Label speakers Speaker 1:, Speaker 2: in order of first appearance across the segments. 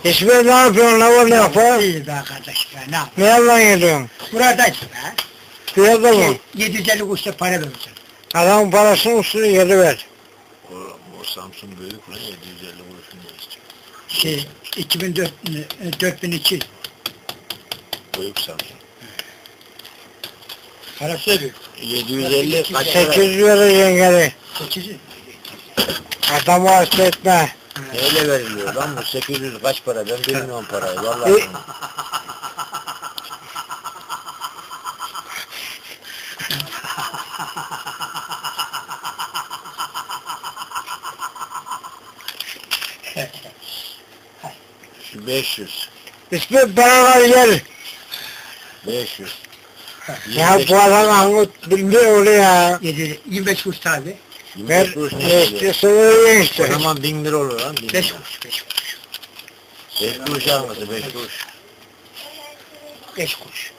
Speaker 1: İsmet ne yapıyorsun? Ne var ne yapar?
Speaker 2: İyi be kardeş be, ne yapayım?
Speaker 1: Ne yalan yediyorsun?
Speaker 2: Buradayız be.
Speaker 1: Fiyatı mı?
Speaker 2: 750 kuruşta para vereceksin.
Speaker 1: Adamın parasını üstüne geri ver.
Speaker 3: O Samsun büyük lan 750 kuruşun ne istiyor?
Speaker 2: Şey, 4002.
Speaker 3: Büyük Samsun.
Speaker 2: Parası büyük.
Speaker 3: 750 kaç para?
Speaker 1: 800 vereceksin geri.
Speaker 2: 800.
Speaker 1: Adamı hasta etme.
Speaker 3: Neyle veriliyor lan bu 800 kaç para? Ben bilmiyorum parayı vallahi. Şu 500.
Speaker 1: İsmet paralar gel.
Speaker 3: 500.
Speaker 1: Ya bu adam Angut bilmiyor onu ya.
Speaker 2: 25 kuruş tabi.
Speaker 3: 25 kuruş
Speaker 1: Ne
Speaker 3: ne istiyor?
Speaker 1: istiyorsa öyle
Speaker 3: O
Speaker 1: işte.
Speaker 3: zaman 1000 lira olur lan.
Speaker 2: 5 kuruş, 5 kuruş.
Speaker 3: 5 kuruş alması 5 kuruş.
Speaker 2: 5 kuruş.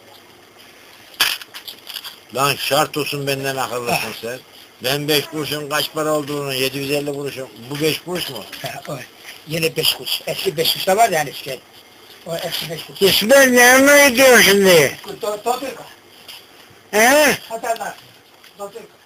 Speaker 3: Lan şart olsun benden akıllısın sen. Ben 5 kuruşun kaç para olduğunu 750 kuruşun. Bu 5 kuruş mu?
Speaker 2: O, yine 5 kuruş. Eski 5 kuruş da var yani işte. O eski 5 kuruş.
Speaker 1: İsmet yanına gidiyor şimdi.
Speaker 2: Doldurka.
Speaker 1: He?
Speaker 2: Haberler. Doldurka.